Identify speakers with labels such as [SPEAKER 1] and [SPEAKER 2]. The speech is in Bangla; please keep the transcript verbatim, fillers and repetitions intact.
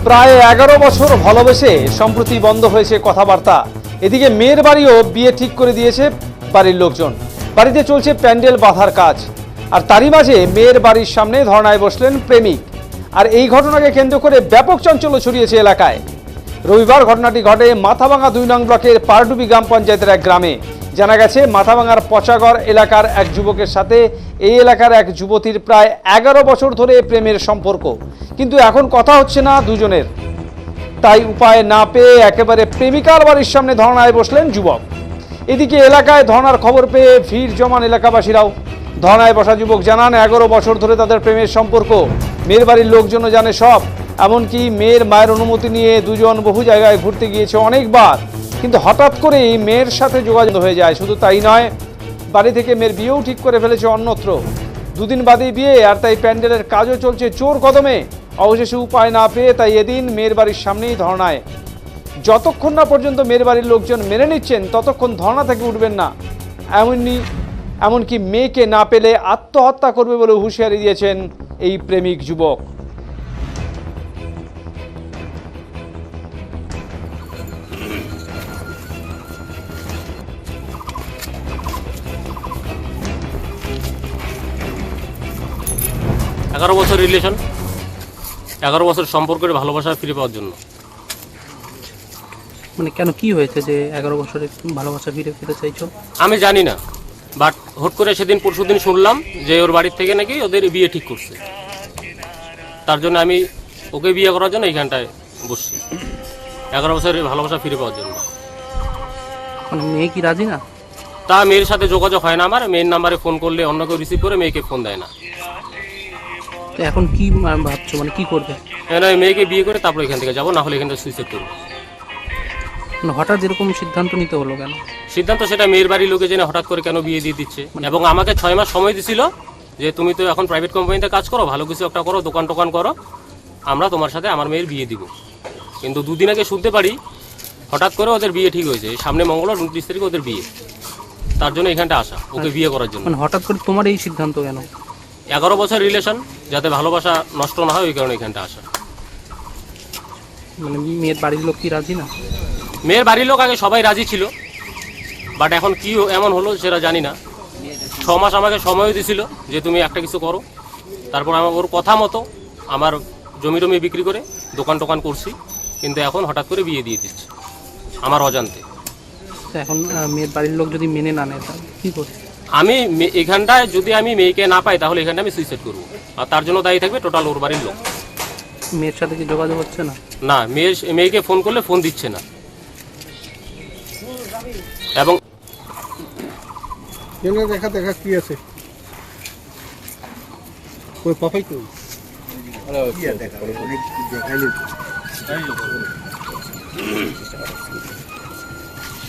[SPEAKER 1] প্রায় এগারো বছর ভালোবেসে সম্প্রতি বন্ধ হয়েছে কথাবার্তা। এদিকে মেয়ের বাড়িও বিয়ে ঠিক করে দিয়েছে বাড়ির লোকজন। বাড়িতে চলছে প্যান্ডেল বাঁধার কাজ, আর তারই মাঝে মেয়ের বাড়ির সামনে ধর্নায় বসলেন প্রেমিক। আর এই ঘটনাকে কেন্দ্র করে ব্যাপক চাঞ্চল্য ছড়িয়েছে এলাকায়। রবিবার ঘটনাটি ঘটে মাথাভাঙা দুই নং ব্লকের পারডুবি গ্রাম পঞ্চায়েতের এক গ্রামে। জানা গেছে মাথাভাঙার পচাগড় এলাকার এক যুবকের সাথে এই এলাকার এক যুবতীর প্রায় এগারো বছর ধরে প্রেমের সম্পর্ক, কিন্তু এখন কথা হচ্ছে না দুজনের। তাই উপায় না পেয়ে একেবারে প্রেমিকার বাড়ির সামনে ধর্নায় বসলেন যুবক। এদিকে এলাকায় ধর্নার খবর পেয়ে ভিড় জমান এলাকাবাসীরাও। ধর্নায় বসা যুবক জানান, এগারো বছর ধরে তাদের প্রেমের সম্পর্ক। মেয়ের বাড়ির লোকজনও জানে সব, এমনকি মেয়ের মায়ের অনুমতি নিয়ে দুজন বহু জায়গায় ঘুরতে গিয়েছে অনেকবার, কিন্তু হঠাৎ করেই মেয়ের সাথে যোগাযোগ হয়ে যায়। শুধু তাই নয়, বাড়ি থেকে মেয়ের বিয়েও ঠিক করে ফেলেছে অন্যত্র। দুদিন বাদেই বিয়ে, আর তাই প্যান্ডেলের কাজও চলছে জোর কদমে। অবশেষে উপায় না পেয়ে তাই এদিন মেয়ের বাড়ির সামনেই ধর্নায়। যতক্ষণ না পর্যন্ত মেয়ের বাড়ির লোকজন মেনে নিচ্ছেন ততক্ষণ ধর্না থেকে উঠবেন না। এমনই এমনকি মেয়েকে না পেলে আত্মহত্যা করবে বলে হুঁশিয়ারি দিয়েছেন এই প্রেমিক যুবক।
[SPEAKER 2] এগারো বছর রিলেশন, এগারো বছর সম্পর্কের ভালোবাসা ফিরে পাওয়ার জন্য।
[SPEAKER 3] মানে কেন, কি হয়েছে যে এগারো বছরের ভালোবাসা ফিরে পেতে চাইছো?
[SPEAKER 2] আমি জানি না, বাট হুট করে সেদিন পরশু দিন শুনলাম যে ওর বাড়ির থেকে নাকি ওদের বিয়ে ঠিক করছে। তার জন্য আমি ওকে বিয়ে করার জন্য এইখানটায় বসছি, এগারো বছরের ভালোবাসা ফিরে পাওয়ার জন্য।
[SPEAKER 3] মানে মেয়ে কি রাজি না?
[SPEAKER 2] তা মেয়ের সাথে যোগাযোগ হয় না আমার। মেয়ের নাম্বারে ফোন করলে অন্য কেউ রিসিভ করে মেয়েকে ফোন দেয় না।
[SPEAKER 3] তো এখন কি ভাবছো, মানে কি করবে?
[SPEAKER 2] আমি মেয়েকে বিয়ে করে তারপর এখান থেকে যাবো, না হলে এখান থেকে সুইসাইড করবো।
[SPEAKER 3] মানে হঠাৎ এরকম সিদ্ধান্ত নিতে হলো কেন?
[SPEAKER 2] সিদ্ধান্ত সেটা মেয়ের বাড়ির লোকে জেনে হঠাৎ করে কেন বিয়ে দিয়ে দিচ্ছে, এবং আমাকে ছয় মাস সময় দিছিল যে তুমি তো এখন প্রাইভেট কোম্পানিতে কাজ করো, ভালো কিছু একটা করো, দোকান টোকান করো, আমরা তোমার সাথে আমার মেয়ের বিয়ে দিব। কিন্তু দুদিন আগে শুনতে পারি হঠাৎ করে ওদের বিয়ে ঠিক হয়েছে, সামনে মঙ্গলবার উনত্রিশ তারিখে ওদের বিয়ে। তার জন্য এখানটা আসা, ওকে বিয়ে করার জন্য।
[SPEAKER 3] মানে হঠাৎ করে তোমার এই সিদ্ধান্ত কেন?
[SPEAKER 2] এগারো বছর রিলেশন, যাতে ভালোবাসা নষ্ট না হয় ওই কারণে এখানটা আসা।
[SPEAKER 3] মানে মেয়ের বাড়ির লোক কি রাজি না?
[SPEAKER 2] মেয়ের বাড়ির লোক আগে সবাই রাজি ছিল, বাট এখন কি এমন হলো সেটা জানি না। ছ মাস আমাকে সময়ও দিছিল যে তুমি একটা কিছু করো। তারপর আমার ওর কথা মতো আমার জমি টমি বিক্রি করে দোকান টোকান করছি, কিন্তু এখন হঠাৎ করে বিয়ে দিয়ে দিচ্ছে আমার অজান্তে।
[SPEAKER 3] তো এখন মেয়ের বাড়ির লোক যদি মেনে না নেয় তাহলে কী করবে?
[SPEAKER 2] আমি এখানটায় যদি আমি মেয়েকে না পাই তাহলে এখানটা আমি সুইসাইড করবো, আর তার জন্য দায়ী থাকবে টোটাল ওর বাড়ির লোক।
[SPEAKER 3] মেয়ের সাথে কি যোগাযোগ হচ্ছে না?
[SPEAKER 2] না, মেয়ের মেয়েকে ফোন করলে ফোন দিচ্ছে না। এবং
[SPEAKER 4] দেখা দেখা কি আছে ওই পাপাই কই আরে কি দেখা অনেক দেখাইলে